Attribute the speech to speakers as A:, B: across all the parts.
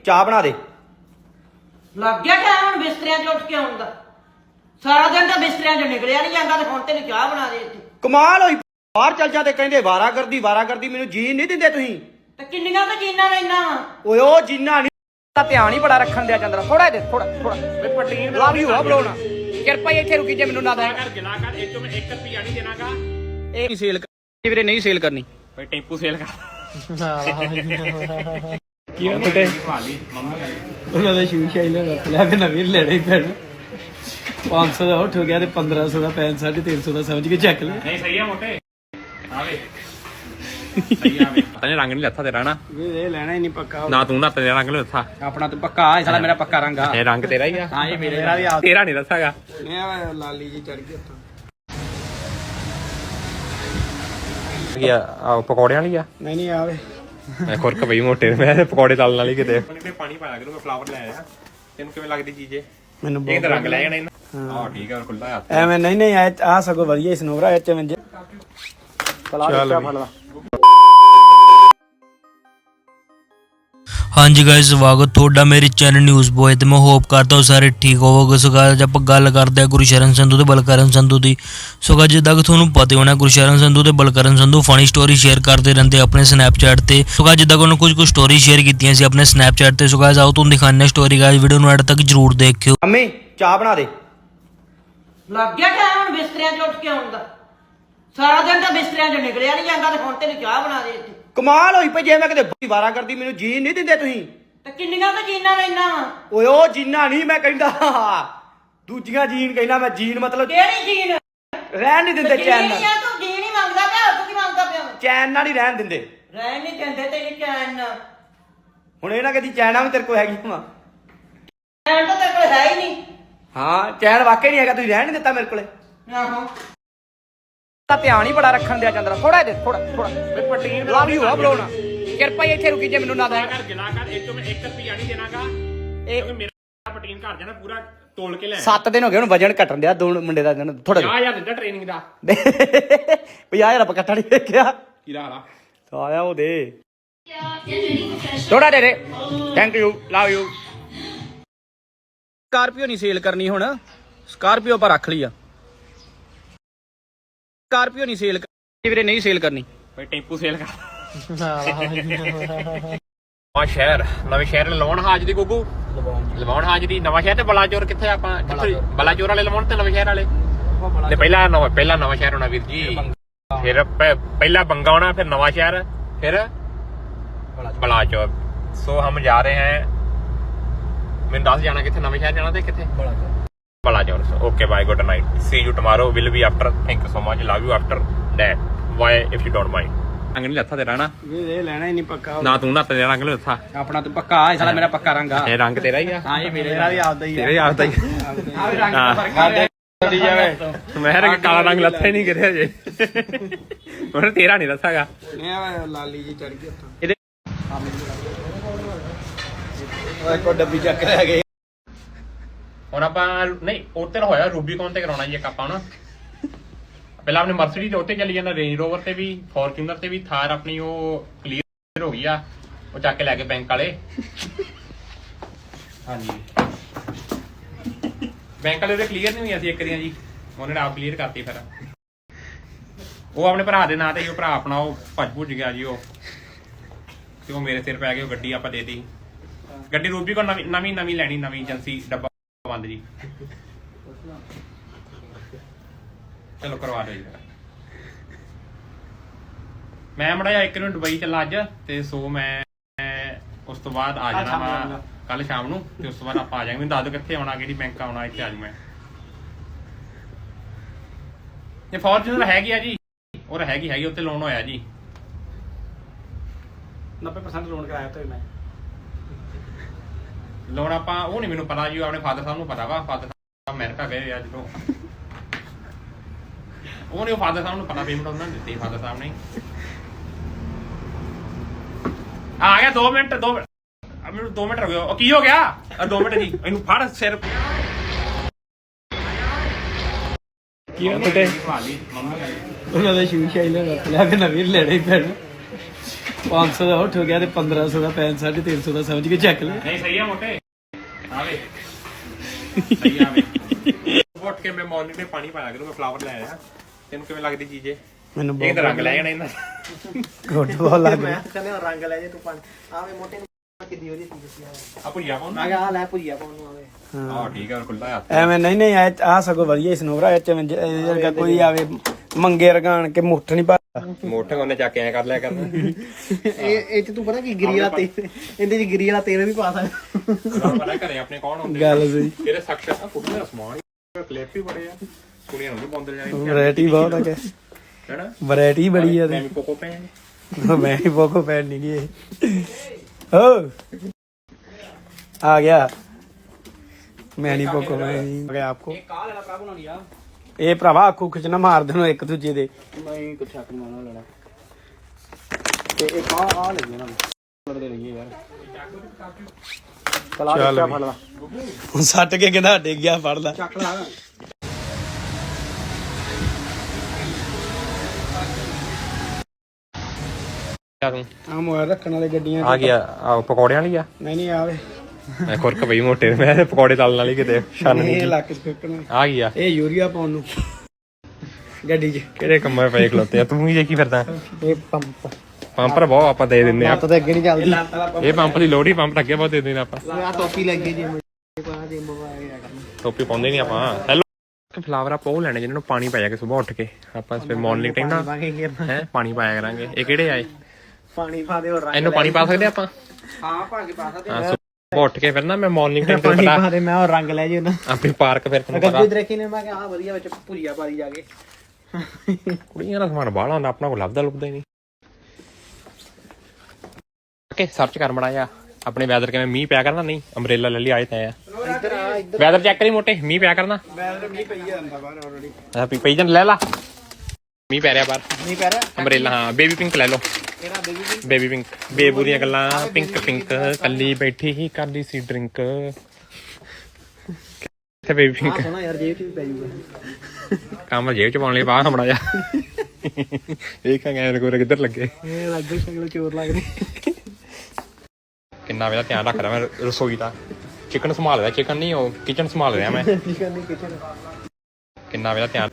A: ਚਾਹ ਬਣਾ ਦੇ।
B: ਲੱਗ ਗਿਆ ਟਾਈਮ ਹੁਣ ਬਿਸਤਰਿਆਂ 'ਚ ਉੱਠ ਕੇ ਆਉਣ ਦਾ। ਸਾਰਾ ਦਿਨ ਤਾਂ ਬਿਸਤਰਿਆਂ 'ਚ ਨਿਕਲਿਆ ਨਹੀਂ ਜਾਂਦਾ ਤੇ ਹੁਣ ਤੈਨੂੰ ਚਾਹ ਬਣਾ ਦੇ ਇੱਥੇ।
A: ਕਮਾਲ ਹੋਈ, ਬਾਹਰ ਚੱਲ ਜਾ ਤੇ ਕਹਿੰਦੇ ਵਾਰਾਗਰਦੀ ਮੈਨੂੰ ਜੀਣ ਨਹੀਂ ਦਿੰਦੇ ਤੁਸੀਂ।
B: ਤੇ ਕਿੰਨੀਆਂ ਤਾਂ ਜੀਨਾਂ ਲੈਣਾ ਵਾ।
A: ਓਏ ਉਹ ਜੀਨਾ ਨਹੀਂ ਦਾ ਧਿਆਨ ਹੀ ਬੜਾ ਰੱਖਣ ਦਿਆ ਚੰਦਰਾ। ਥੋੜਾ
C: ਵੇ ਪਟੀਨ
A: ਲਵ ਯੂ ਆ ਬਲੋਣਾ। ਕਿਰਪਾ ਹੀ ਇੱਥੇ ਰੁਕੀ ਜੇ ਮੈਨੂੰ ਨਾ ਦੇ
C: ਕਰ ਗਿਲਾ ਕਰ ਇਹ ਚੋਂ ਮੈਂ 1 ਰੁਪਿਆ ਨਹੀਂ ਦੇਣਾਗਾ।
A: ਇਹ ਨਹੀਂ ਸੇਲ ਕਰਨੀ ਵੀਰੇ, ਨਹੀਂ ਸੇਲ ਕਰਨੀ।
C: ਓਏ ਟੈਂਪੂ ਸੇਲ ਕਰ
D: ਕੀ ਨਾ ਬਟੇ
C: ਭਾਲੀ ਮੰਮੀ
D: ਉਹਨਾਂ ਦਾ ਸ਼ੂ ਸ਼ਾਈਲਰ ਰੱਖ ਲਿਆ ਕਿ ਨਵੀਂ ਲੈਣਾ ਹੀ ਪੈਣਾ। 500 ਦਾ ਉੱਠ ਗਿਆ ਤੇ 1500 ਦਾ ਪੈਨ 350 ਦਾ ਸਮਝ ਕੇ ਚੱਕ ਲਿਆ।
C: ਨਹੀਂ ਸਹੀ ਆ ਮੋਟੇ ਆਵੇ ਸਹੀ ਆਵੇ ਪਤਾ ਨਹੀਂ ਰੰਗ ਨਹੀਂ ਲੱਥਾ ਤੇਰਾ ਨਾ।
D: ਇਹ ਲੈਣਾ ਹੀ ਨਹੀਂ ਪੱਕਾ
C: ਨਾ ਤੂੰ ਨਾ ਤੇਰਾ ਰੰਗ ਨਹੀਂ ਲੱਥਾ।
D: ਆਪਣਾ ਤਾਂ ਪੱਕਾ ਆ ਸਾਲਾ ਮੇਰਾ ਪੱਕਾ ਰੰਗ ਆ।
C: ਇਹ ਰੰਗ ਤੇਰਾ ਹੀ ਆ।
D: ਹਾਂ ਇਹ ਮੇਰਾ ਵੀ ਆ।
C: ਤੇਰਾ ਨਹੀਂ ਲੱਥਾਗਾ।
D: ਇਹ ਲਾਲੀ ਜੀ ਚੜ ਗਈ ਉੱਤੋਂ।
C: ਕੀ ਆ ਪਕੌੜਿਆਂ ਵਾਲੀ ਆ।
D: ਨਹੀਂ ਆਵੇ
C: ਮੈਂ ਖੁਰਕ ਪਈ ਮੋਟੇ ਮੈਂ ਪਕੌੜੇ ਤਲਣ ਵਾਲੀ ਕਿਤੇ ਪਾਣੀ ਪਾਇਆ ਕਰੂੰ। ਮੈਂ ਫਲਾਵਰ ਲੈ ਆਇਆ। ਤੈਨੂੰ ਕਿਵੇਂ ਲੱਗਦੀ ਚੀਜ਼
D: ਮੈਨੂੰ
C: ਇਹ ਤਾਂ ਰੰਗ ਲੈ ਜਾਣਾ ਇਹਨਾਂ। ਹਾਂ ਠੀਕ ਆ ਖੁੱਲਾ ਹੱਥ
D: ਐਵੇਂ ਨਹੀਂ ਆ ਸਗੋਂ ਵਧੀਆ ਸਨੋਵਰਾ ਐਚ ਵਿੱਚ ਚਲਾ ਫੜ ਲਾ।
E: ਹਾਂਜੀ ਗਾਇਸ, ਸਵਾਗਤ ਤੁਹਾਡਾ ਮੇਰੇ ਚੈਨਲ ਨਿਊਜ਼ ਬੋਏ ਤੇ ਮੈਂ ਹੋਪ ਕਰਦਾ ਹਾਂ ਸਾਰੇ ਠੀਕ ਹੋਵੋਗੇ। ਸੋ ਗਾਇਸ ਆਪਾਂ ਗੱਲ ਕਰਦੇ ਹਾਂ ਗੁਰਸ਼ਰਨ ਸੰਧੂ ਤੇ ਬਲਕਰਨ ਸੰਧੂ ਦੀ। ਸੋ ਗਾਇਸ ਜਿੱਦਾਂ ਕਿ ਤੁਹਾਨੂੰ ਪਤਾ ਹੋਣਾ ਗੁਰਸ਼ਰਨ ਸੰਧੂ ਤੇ Balkaran Sandhu funny story share ਕਰਦੇ ਰਹਿੰਦੇ ਆਪਣੇ ਸਨੈਪਚੈਟ ਤੇ। ਸੋ ਗਾਇਸ ਜਿੱਦਾਂ ਕਿ ਉਹਨਾਂ ਕੁਝ ਸਟੋਰੀ ਸ਼ੇਅਰ ਕੀਤੀਆਂ ਸੀ ਆਪਣੇ ਸਨੈਪਚੈਟ ਤੇ। ਸੋ ਗਾਇਸ ਆਓ ਤੁਹਾਨੂੰ ਦਿਖਾਉਂਦੇ ਹਾਂ ਸਟੋਰੀ। ਗਾਇਸ ਵੀਡੀਓ ਨੂੰ ਐਡ ਤੱਕ ਜਰੂਰ ਦੇਖਿਓ।
A: ਮੰਮੀ ਚਾਹ ਬਣਾ ਦੇ।
B: ਲੱਗ ਗਿਆ ਟਾਈਮ ਹੁਣ ਬਿਸਤਰਿਆਂ 'ਚ ਉੱਠ ਕੇ ਆਉਣ ਦਾ। ਸਾਰਾ ਦਿਨ ਤਾਂ ਬਿਸਤਰਿਆਂ 'ਚ ਨਿਕਲਿਆ ਨਹੀਂ ਜਾਂਦਾ ਤੇ ਹੁਣ ਤੈਨੂੰ ਚਾਹ ਬਣਾ ਦੇ ਇੱਥੇ।
A: ਕਮਾਲ ਹੋਈ ਪਈ, ਜੇ ਮੈਂ ਕਿਤੇ ਵਾਰਾਗਰਦੀ ਮੈਨੂੰ ਜੀਣ ਨਹੀਂ ਦਿੰਦੇ ਤੁਸੀਂ।
B: ਤੇ ਕਿੰਨੀਆਂ ਤਾਂ ਜੀਨਾਂ ਲੈਣਾ ਵਾ।
A: ਓਏ ਉਹ ਜੀਨਾ ਨਹੀਂ ਮੈਂ ਕਹਿੰਦਾ, ਦੂਜੀਆਂ ਜੀਨ ਕਹਿੰਦਾ ਮੈਂ। ਜੀਨ ਮਤਲਬ
B: ਕਿਹੜੀ ਜੀਨ?
A: ਰਹਿਣ ਨਹੀਂ ਦਿੰਦੇ ਚੈਨ
B: ਜੀਨ
A: ਨਾਲ।
B: ਆ ਤੂੰ ਜੀਨ ਹੀ ਮੰਗਦਾ ਪਿਆ, ਤੂੰ ਕੀ ਮੰਗਦਾ ਪਿਆ?
A: ਚੈਨ ਨਾਲ ਹੀ ਰਹਿਣ ਦਿੰਦੇ।
B: ਰਹਿ ਨਹੀਂ ਦਿੰਦੇ ਤੈਨੂੰ ਚੈਨ।
A: ਹੁਣ ਇਹ ਨਾ ਕਦੀ ਚੈਨਾ ਵੀ ਤੇਰੇ ਕੋਲ ਹੈਗੀ ਵਾ।
B: ਚੈਨ ਤਾਂ ਤੇਰੇ ਕੋਲ ਹੈ ਹੀ ਨਹੀਂ।
A: ਹਾਂ ਚੈਨ ਵਾਕਈ ਨਹੀਂ ਹੈਗਾ, ਤੁਸੀਂ ਰਹਿਣ ਨਹੀਂ ਦਿੱਤਾ ਮੇਰੇ ਕੋਲੇ।
B: ਆਹੋ
A: ਤਾਂ ਧਿਆਨ ਹੀ ਬੜਾ ਰੱਖਣ ਦਿਆ ਚੰਦਰਾ। ਥੋੜਾ
C: ਵੇ ਪਟੀਨ
A: ਲਵ ਯੂ ਆ ਬਲੋਣਾ। ਕਿਰਪਾ ਹੀ ਇੱਥੇ ਰੁਕੀ ਜੇ ਮੈਨੂੰ ਨਾ ਦੇ
C: ਕਰ ਗਿਲਾ ਕਰ ਇਹ ਚੋਂ ਮੈਂ 1 ਰੁਪਿਆ ਨਹੀਂ ਦੇਣਾਗਾ।
A: ਇਹ
C: ਮੇਰਾ ਪਟੀਨ ਘਰ ਜਾਣਾ ਪੂਰਾ ਤੋਲ ਕੇ ਲੈ
A: 7 ਦਿਨ ਹੋ ਗਏ ਹੁਣ ਵਜਨ ਘਟਣ ਦਿਆ। ਦੋ ਮੁੰਡੇ ਦਾ ਥੋੜਾ
C: 50,000 ਦਿੰਦਾ ਟ੍ਰੇਨਿੰਗ ਦਾ।
A: 50,000 ਆਪਾਂ ਇਕੱਠਾ ਨਹੀਂ ਵੇਖਿਆ।
C: ਕੀ ਲਾ
A: ਆਇਆ ਉਹ ਦੇ ਥੋੜਾ ਦੇ। Thank you, love you. Scorpio ਨਹੀਂ ਸੇਲ ਕਰਨੀ ਹੁਣ। ਸਕਾਰਪੀਓ ਆਪਾਂ ਰੱਖ ਲਈ ਆ। ਸਕਾਰਪੀਓ ਨਹੀਂ ਸੇਲ ਕਰਨੀ ਵੀਰੇ, ਨਹੀਂ ਸੇਲ ਕਰਨੀ।
C: ਓਏ ਟੈਂਪੂ ਸੇਲ ਕਰ ਨਵਾਂ ਸ਼ਹਿਰ ਲਵਾਉਣ ਹਾਜਰੀ ਗੁੱਗੂ ਲਵਾਉਣ ਹਾਜਰੀ ਨਵਾਂ ਸ਼ਹਿਰ ਤੇ ਬਲਾਚੌਰ ਕਿੱਥੇ ਆਪਾਂ ਬਲਾਚੌਰ ਵਾਲੇ ਲਵਾਉਣ ਤੇ ਨਵੇਂ ਸ਼ਹਿਰ ਵਾਲੇ ਤੇ ਪਹਿਲਾ ਨਵਾਂ ਸ਼ਹਿਰ ਹੋਣਾ ਵੀਰ ਜੀ। ਫਿਰ ਪਹਿਲਾ ਬੰਗਾ ਹੋਣਾ, ਫਿਰ ਨਵਾਂ ਸ਼ਹਿਰ, ਫਿਰ ਬਲਾਚੌਰ। ਸੋ ਹਮ ਜਾ ਰਹੇ हैं। ਮੈਨੂੰ ਦੱਸ ਜਾਣਾ ਕਿੱਥੇ ਨਵੇਂ ਸ਼ਹਿਰ ਜਾਣਾ ਤੇ ਕਿੱਥੇ Balachaur. Okay bye, good night, see you tomorrow, will be after. Thank you so much, love you after that. Why if you don't mind. ਰੰਗ ਨਹੀਂ ਲੱਥਾ ਤੇਰਾ ਨਾ।
D: ਇਹ ਲੈਣਾ ਹੀ ਨਹੀਂ ਪੱਕਾ।
C: ਨਾ ਤੂੰ ਨਾ ਤੇਰਾ ਰੰਗ ਨਹੀਂ ਲੱਥਾ।
D: ਆਪਣਾ ਤਾਂ ਪੱਕਾ ਆ ਸਾਲਾ ਮੇਰਾ ਪੱਕਾ ਰੰਗ ਆ।
C: ਇਹ ਰੰਗ ਤੇਰਾ ਹੀ ਆ।
D: ਹਾਂ ਇਹ ਮੇਰਾ ਵੀ ਆਪਦਾ ਹੀ ਆ।
C: ਤੇਰਾ ਹੀ ਆਪਦਾ ਹੀ
D: ਆ ਵੀ ਰੰਗ ਦਾ ਫਰਕ ਆ। ਦੀ ਜਾਵੇ
C: ਮੈਂ ਰੰਗ ਕਾਲਾ ਰੰਗ ਲੱਥਾ ਹੀ ਨਹੀਂ ਕਰਿਆ ਜੇ। ਹੁਣ ਤੇਰਾ ਨਹੀਂ ਲੱਥਾਗਾ।
D: ਇਹ ਲਾਲੀ ਜੀ ਚੜ ਗਈ ਉੱਤੋਂ। ਓਏ ਕੋ ਡੱਬੀ ਚੱਕ ਲੈ ਗਏ।
C: ਹੁਣ ਆਪਾਂ ਨਹੀਂ ਉੱਤੇ ਹੋਇਆ ਰੂਬੀਕੌਨ ਤੇ ਕਰਾਉਣਾ ਜੀ ਇੱਕ ਆਪਾਂ ਨਾ। ਪਹਿਲਾਂ ਆਪਣੇ ਮਰਸੀਡੀਜ਼ ਤੇ ਉੱਤੇ ਚੱਲੀ ਜਾਂਦਾ, ਰੇਂਜ ਰੋਵਰ ਤੇ ਵੀ, ਫੋਰਚੂਨਰ ਤੇ ਵੀ। ਥਾਰ ਆਪਣੀ ਉਹ ਕਲੀਅਰ ਹੋ ਗਈ ਆ, ਉਹ ਚੱਕ ਕੇ ਲੈ ਕੇ ਬੈਂਕ ਵਾਲੇ। ਹਾਂਜੀ ਬੈਂਕ ਵਾਲੇ ਉਹਦੇ ਕਲੀਅਰ ਨਹੀਂ ਹੋਈਆਂ ਸੀ ਇੱਕ ਦੀਆਂ ਜੀ, ਉਹਨੇ ਆਪ ਕਲੀਅਰ ਕਰਤੀ। ਫਿਰ ਉਹ ਆਪਣੇ ਭਰਾ ਦੇ ਨਾਂ ਤੇ ਹੀ, ਉਹ ਭਰਾ ਆਪਣਾ ਉਹ ਭੱਜ ਗਿਆ ਜੀ ਉਹ, ਤੇ ਉਹ ਮੇਰੇ ਸਿਰ ਪੈ ਗਏ। ਉਹ ਗੱਡੀ ਆਪਾਂ ਦੇ ਦਿੱਤੀ। ਗੱਡੀ ਰੂਬੀਕੌਨ ਨਵੀਂ ਲੈਣੀ, ਨਵੀਂ ਏਜੰਸੀ, ਡੱਬਾ ਬੰਦ ਜੀ। ਚਲੋ ਕਰਵਾ ਦਿਓ ਜੀ। ਮੈਂ ਮੜਾ ਜਾ ਇੱਕ ਨੂੰ ਦੁਬਈ ਚੱਲਾ ਅੱਜ, ਤੇ ਸੋ ਮੈਂ ਉਸ ਤੋਂ ਬਾਅਦ ਆ ਜਾਣਾ ਵਾ ਕੱਲ ਸ਼ਾਮ ਨੂੰ, ਤੇ ਉਸ ਤੋਂ ਬਾਅਦ ਆਪਾਂ ਆ ਜਾਵਾਂਗੇ। ਮੈਨੂੰ ਦੱਸ ਦਿਓ ਕਿੱਥੇ ਆਉਣਾ, ਕਿਹੜੀ ਬੈਂਕ ਆਉਣਾ, ਇੱਥੇ ਆ ਜਾਊਂ ਮੈਂ। ਇਹ ਫੋਰਚੂਨਰ ਹੈਗੀ ਆ ਜੀ, ਉਹ ਹੈਗੀ ਉੱਤੇ ਲੋਨ ਹੋਇਆ ਜੀ।
D: 90% ਲੋਨ ਕਰਾਇਆ ਤੇ ਮੈਂ
C: ਲੋਨ ਆਪਾਂ ਉਹ ਨਹੀਂ ਮੈਨੂੰ ਪਤਾ ਜੀ, ਆਪਣੇ ਫਾਦਰ ਸਾਹਿਬ ਨੂੰ ਪਤਾ ਵਾ। ਫਾਦਰ ਸਾਹਿਬ ਅਮਰੀਕਾ ਗਏ ਅੱਜ ਤੋਂ। ਉਹ ਨਹੀਂ, ਫਾਦਰ ਸਾਹਿਬ ਨੂੰ ਪਤਾ, ਪੇਮੈਂਟ ਉਹਨਾਂ ਨੇ ਦਿੱਤੀ ਫਾਦਰ ਸਾਹਿਬ ਨੇ। ਆ ਗਿਆ 2 ਮਿੰਟ ਮੈਨੂੰ 2 ਮਿੰਟ ਹੋ ਗਏ। ਉਹ ਕੀ ਹੋ ਗਿਆ? 2 ਮਿੰਟ ਜੀ, ਇਹਨੂੰ ਫੜ ਸਿਰ।
D: ਕੀ ਨਾ ਬਟੇ
C: ਭਾਲੀ ਮੰਮੀ
D: ਉਹਨਾਂ ਦਾ ਸ਼ੂ ਸ਼ਾਈਲਰ ਰੱਖ ਲਿਆ ਕਿ ਨਵੀਂ ਲੈਣਾ ਹੀ ਪੈਣਾ। 500 ਦਾ ਉੱਠ ਗਿਆ ਤੇ 1500 ਦਾ ਪੈਨ 350 ਦਾ ਸਮਝ ਕੇ ਚੱਕ ਲੈ।
C: ਨਹੀਂ ਸਹੀ ਆ ਮੋਟੇ ਆਵੇ ਸਹੀ ਆਵੇ ਉੱਠ ਕੇ ਮੈਂ ਮਾਰਨਿੰਗ ਤੇ ਪਾਣੀ ਪਾਇਆ ਕਰੂੰ। ਮੈਂ ਫਲਾਵਰ ਲੈ ਆਇਆ। ਤੈਨੂੰ ਕਿਵੇਂ ਲੱਗਦੀ ਚੀਜ਼ ਇਹ?
D: ਮੈਨੂੰ
C: ਇਹ ਤਾਂ ਰੰਗ ਲੈ ਜਾਣਾ ਇਹਨਾਂ
D: ਗੁੱਡ ਬਹੁਤ ਲੱਗ ਰਿਹਾ।
B: ਕਹਿੰਦੇ ਰੰਗ ਲੈ ਜੇ ਤੂੰ ਪਾਣੀ ਆਵੇ ਮੋਟੇ ਨੂੰ ਕਿੱਦੀ ਉਹਦੀ ਸੀ
C: ਆ ਭੁਜੀਆ ਪਾਉਣ
B: ਮੈਂ ਕਿਹਾ ਆ ਲੈ ਭੁਜੀਆ ਪਾਉਣ ਨੂੰ ਆਵੇ
C: ਹਾਂ ਠੀਕ ਆ ਖੁੱਲਾ ਆ
D: ਐਵੇਂ ਨਹੀਂ ਆ ਸਗੋਂ ਵਧੀਆ ਸਨੋਵਰਾ ਇਹ ਚ ਵਰਗਾ ਕੋਈ ਆਵੇ ਮੰਗੇ ਰਗਾਣ ਕੇ ਮੁੱਠ ਨਹੀਂ ਪਾ
C: ਮੋਟੇ ਉਹਨੇ ਚੱਕ ਕੇ ਐ ਕਰ ਲਿਆ ਕਰਨਾ।
B: ਇਹ ਚ ਤੂੰ ਪਤਾ ਕੀ ਗਿਰੀ ਵਾਲਾ ਤੇਲ ਇਹਦੇ ਚ ਗਿਰੀ ਵਾਲਾ ਤੇਲ ਵੀ ਪਾ ਸਕਦਾ।
C: ਪਤਾ ਘਰੇ ਆਪਣੇ ਕੌਣ ਹੁੰਦੇ
D: ਗੱਲ ਸਹੀ।
C: ਇਹਦੇ ਸਖਸ਼ ਆ ਕੁੜੀਆਂ ਦਾ ਸਮਾਨ ਕਲਿੱਪ ਹੀ ਬੜੇ ਆ। ਕੁੜੀਆਂ ਨੂੰ ਪਾਉਂਦੇ ਜਾਣੀ
D: ਵੈਰਾਈਟੀ ਬਹੁਤ ਆ ਕਿ
C: ਹੈਨਾ
D: ਵੈਰਾਈਟੀ ਬੜੀ ਆ
C: ਮੈਂ
D: ਤੇ
C: ਵੀ ਕੋਕੋ ਪੈਣ
D: ਮੈਂ ਹੀ ਬੋਕੋ ਪੈਣ ਨਹੀਂ ਗਈ ਓ ਆ ਗਿਆ ਮੈਂ ਨਹੀਂ ਬੋਕੋ ਮੈਂ ਨਹੀਂ ਗਿਆ ਆਪਕੋ
B: ਕਾਹ ਲੈਣਾ ਭਰਾ ਬਣਾਉਣੀ ਆ
D: ਇਹ ਭਰਾਵਾ ਅੱਖੂ ਖਿੱਚਣਾ ਮਾਰ ਦੇਣੋ ਇੱਕ ਦੂਜੇ ਦੇ
B: ਨਹੀਂ ਕੁਛ ਹੱਕ ਮਾਰਨਾ ਲੈਣਾ ਤੇ ਇਹ ਕਾਹ ਆ ਲੱਗੀ ਨਾ ਲੜਦੇ ਰਹੀਏ ਯਾਰ
D: ਚੱਲ
B: ਚੱਲ ਫੜ ਲਾ
D: ਹੁਣ ਸੱਟ ਕੇ ਕਹਿੰਦਾ ਡਿੱਗ ਗਿਆ ਫੜ ਲੈ
B: ਚੱਕ ਲਾ
C: ਤੂੰ
D: ਆ ਮੋਬਾਈਲ ਰੱਖਣ ਵਾਲੇ ਗੱਡੀਆਂ
C: ਆ ਗਿਆ ਆ ਪਕੌੜਿਆਂ ਵਾਲੀ ਆ
D: ਨਹੀਂ ਆਵੇ
C: ਮੈਂ ਖੁਰਕ ਪਈ ਮੋਟੇ ਮੈਂ ਤੇ ਪਕੌੜੇ ਤਲਣ ਵਾਲੀ ਕਿਤੇ ਛੰਨ
D: ਇਹ
C: ਨਹੀਂ
D: ਲੱਕ ਚ ਫੇਕਣਾ
C: ਆ ਗਈ ਆ
D: ਇਹ ਯੂਰੀਆ ਪਾਉਣ ਨੂੰ ਗੱਡੀ 'ਚ
C: ਕਿਹੜੇ ਕੰਮਾਂ ਪਏ ਖਲੋਤੇ ਆ ਤੂੰ ਹੀ ਦੇਖੀ ਫਿਰਦਾ
B: ਇਹ ਪੰਪ
C: ਪੰਪਰ ਬਹੁਤ ਆਪਾਂ ਦੇ ਦਿੰਦੇ ਆ
B: ਤਾਂ ਅੱਗੇ ਨਹੀਂ ਚੱਲਦੀ
C: ਇਹ ਪੰਪ ਦੀ ਲੋੜ ਹੀ ਪੰਪ ਅੱਗੇ ਬਹੁਤ ਦੇ ਦਿੰਦੇ ਆਪਾਂ
B: ਆ ਟੋਪੀ ਲੱਗੀ ਜੀ ਪਾ ਦੇ ਮੋਬਾਈਲ ਆ ਕਰਨਾ
C: ਟੋਪੀ ਪਾਉਂਦੇ ਨਹੀਂ ਆਪਾਂ ਹੈਲੋ ਫਲਾਵਰ ਆਪਾਂ ਉਹ ਲੈਣੇ ਜਿਹਨਾਂ ਨੂੰ ਪਾਣੀ ਪਾਇਆ ਕੇ ਸਵੇਰ ਉੱਠ ਕੇ ਆਪਾਂ ਫਿਰ ਮਾਰਨਿੰਗ ਟਾਈਮ ਨਾ
B: ਬਾਕੀ ਕਰਨਾ
C: ਹੈ ਪਾਣੀ ਪਾਇਆ ਕਰਾਂਗੇ ਇਹ ਕਿਹੜੇ ਆਏ
B: ਪਾਣੀ ਪਾ ਦੇ ਹੋਰ ਰੰਗ
C: ਇਹਨੂੰ ਪਾਣੀ ਪਾ ਸਕਦੇ ਆਪਾਂ
B: ਹਾਂ ਪਾ ਕੇ ਪਾ ਸਕਦੇ
C: ਹਾਂ ਸੁਬਹ ਉੱਠ ਕੇ ਫਿਰ ਨਾ ਮੈਂ ਮਾਰਨਿੰਗ ਟਾਈਮ ਤੇ
B: ਪਾਣੀ
C: ਪਤਾ
B: ਪਾ ਦੇ ਮੈਂ ਹੋਰ ਰੰਗ ਲੈ ਜੀ ਉਹਨਾਂ
C: ਆਪਣੀ ਪਾਰਕ ਫਿਰ ਤੁਹਾਨੂੰ ਪਤਾ
B: ਗੱਡੀ ਦੇਖੀ ਨੇ ਮੈਂ ਕਿਹਾ ਆ ਵਧੀਆ ਵਿੱਚ ਭੁਜੀਆ ਪਾ ਦੀ ਜਾ ਕੇ
C: ਕੁੜੀਆਂ ਦਾ ਸਮਾਨ ਬਾਹਲਾ ਹੁੰਦਾ ਆਪਣਾ ਕੋਲ ਲੱਭਦਾ ਲੁੱਭਦਾ ਹੀ ਨਹੀਂ ਓਕੇ ਸਰਚ ਕਰ ਮੜਾਇਆ ਆਪਣੇ ਵੈਦਰ ਕਿਵੇਂ ਮੀਂਹ ਪਿਆ ਕਰਨਾ ਨਹੀਂ ਅੰਬ੍ਰੇਲਾ ਲੈ ਲਈ ਆਏ ਤਾਂ ਆ
B: ਇੱਧਰ ਆ ਇੱਧਰ
C: ਵੈਦਰ ਚੈੱਕ ਕਰੀ ਮੋਟੇ ਮੀਂਹ ਪਿਆ ਕਰਨਾ
D: ਮੈਂ ਤਾਂ ਨਹੀਂ ਪਈ ਜਾਂਦਾ ਬਾਹਰ ਆਲਰੇਡੀ
C: ਆ ਪਈ ਜਨ ਲੈ ਲਾ ਮੀਂਹ ਪੈ ਰਿਹਾ ਬਾਹਰ
B: ਨਹੀਂ ਪੈ ਰਿਹਾ
C: ਅੰਬ੍ਰੇਲਾ ਹਾਂ ਬੇਬੀ ਪਿੰਕ ਲੈ ਲਓ
B: ਕਿਹੜਾ ਬੇਬੀ
C: ਬੇਬੀ ਪਿੰਕ ਬੇਬੂ ਦੀਆਂ ਗੱਲਾਂ ਪਿੰਕ ਪਿੰਕ ਕੱਲੀ ਬੈਠੀ ਹੀ ਕਰਦੀ ਸੀ ਡਰਿੰਕ ਕਿੱਥੇ ਬੇਬੀ ਪਿੰਕ
B: ਸੋਹਣਾ ਯਾਰ ਜੇਬ ਚ ਵੀ ਪੈ ਜੂਗਾ
C: ਕੰਮ ਜੇਬ ਚ ਪਾਉਣ ਲਈ ਬਾਹਰ ਹਮੜਾ ਜਾ ਦੇਖਾਂਗੇ ਐਨ ਕੋਰੇ ਕਿੱਧਰ ਲੱਗੇ
B: ਇਹ ਲੱਗੇ ਸ਼ਕਲ ਚੋਰ ਲੱਗਦੇ
C: ਕਿੰਨਾ ਵੇਲਾ ਧਿਆਨ ਰੱਖਦਾ ਮੈਂ ਰਸੋਈ ਦਾ ਚਿਕਨ ਸੰਭਾਲ ਰਿਹਾ ਚਿਕਨ ਨਹੀਂ ਉਹ ਕਿਚਨ ਸੰਭਾਲ ਰਿਹਾ ਮੈਂ
B: ਚਿਕਨ ਨਹੀਂ ਕਿਚਨ
C: ਕਿੰਨਾ ਵੇਲਾ ਧਿਆਨ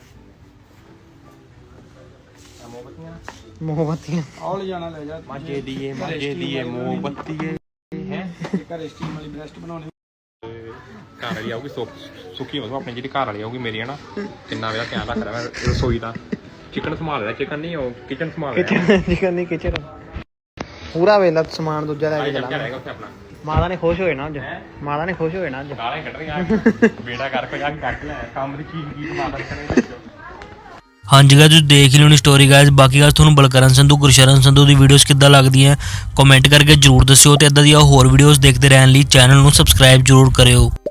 B: ਮੋਮਬੱਤੀਆਂ
D: ਆਹ ਲੈ ਜਾਣਾ ਲੈ ਜਾ
C: ਮਾਜੇ ਦੀਏ ਮੋਮਬੱਤੀਏ ਹੈ
D: ਘਰੇ ਸਟੀਮ ਵਾਲੀ ਬ੍ਰੈਸਟ ਬਣਾਉਣੀ
C: ਘਰ ਵਾਲੀ ਆਊਗੀ ਸੁੱਕੀ ਮਸੋ ਆਪਣੀ ਜਿਹੜੀ ਘਰ ਵਾਲੀ ਆਊਗੀ ਮੇਰੀ ਹੈ ਨਾ ਕਿੰਨਾ ਵੇਲਾ ਧਿਆਨ ਰੱਖਦਾ ਮੈਂ ਰਸੋਈ ਦਾ ਚਿਕਨ ਸੰਭਾਲ ਰਿਹਾ ਚਿਕਨ ਨਹੀਂ ਉਹ ਕਿਚਨ ਸੰਭਾਲ ਰਿਹਾ
B: ਚਿਕਨ ਨਹੀਂ ਕਿਚਨ ਪੂਰਾ ਵੇਲਾ ਸਮਾਨ ਦੂਜਾ ਲੈ ਕੇ
C: ਚੱਲ
B: ਚਲਾ
C: ਜਾਏਗਾ ਉੱਥੇ ਆਪਣਾ
B: ਮਾਤਾ ਨੇ ਖੁਸ਼ ਹੋਏ ਨਾ ਅੱਜ ਮਾਤਾ ਨੇ ਖੁਸ਼ ਹੋਏ ਨਾ ਅੱਜ
C: ਗਾਲਾਂ ਕੱਢ ਰਹੀਆਂ ਬੇੜਾ ਕਰਕੇ ਜਾ ਕੇ ਕੱਟ ਲੈ ਕੰਮ ਦੀ ਚੀਜ਼ ਕੀ ਮਾਤਾ ਨੇ ਕਰਨੀ
E: ਹਾਂਜੀ ਗਾਇਸ ਤੁਸੀਂ ਦੇਖ ਹੀ ਲਿਓਣੀ ਸਟੋਰੀ ਗਾਇਸ ਬਾਕੀ ਗੱਲ ਤੁਹਾਨੂੰ ਬਲਕਰਨ ਸੰਧੂ ਗੁਰਸ਼ਰਨ ਸੰਧੂ ਦੀ ਵੀਡੀਓਜ਼ ਕਿੱਦਾਂ ਲੱਗਦੀਆਂ ਕਮੈਂਟ ਕਰਕੇ ਜਰੂਰ ਦੱਸਿਓ ਤੇ ਇਦਾਂ ਦੀਆਂ ਹੋਰ ਵੀਡੀਓਜ਼ ਦੇਖਦੇ ਰਹਿਣ ਲਈ ਚੈਨਲ ਨੂੰ ਸਬਸਕ੍ਰਾਈਬ ਜਰੂਰ ਕਰਿਓ।